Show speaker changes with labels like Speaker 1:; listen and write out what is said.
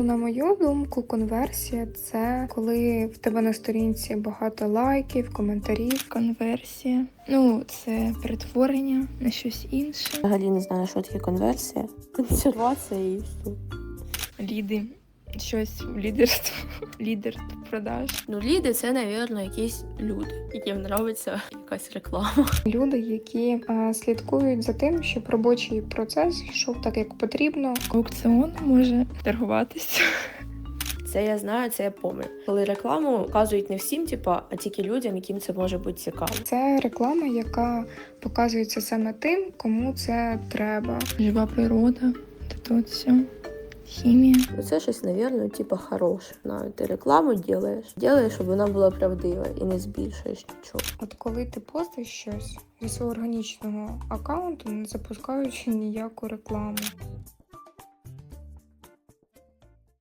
Speaker 1: на мою думку, конверсія – це коли в тебе на сторінці багато лайків, коментарів.
Speaker 2: Конверсія. Це перетворення на щось інше.
Speaker 3: Взагалі не знаю, що таке конверсія. Консервація і все.
Speaker 2: Ліди. Щось лідерство. Лідер продаж.
Speaker 3: Ліди – це, мабуть, якісь люди, яким подобається якась реклама.
Speaker 1: Люди, які слідкують за тим, щоб робочий процес йшов так, як потрібно.
Speaker 2: Аукціон може торгуватися.
Speaker 3: Це я знаю, це я пам'ятаю. Коли рекламу показують не всім, а тільки людям, яким це може бути цікаво.
Speaker 1: Це реклама, яка показується саме тим, кому це треба.
Speaker 2: Жива природа. Тут все. Хімія.
Speaker 3: Це щось, мабуть, хороше. Ти рекламу робиш, щоб вона була правдива і не збільшуєш нічого.
Speaker 1: От коли ти постиш щось зі свого органічного аккаунту, не запускаючи ніяку рекламу.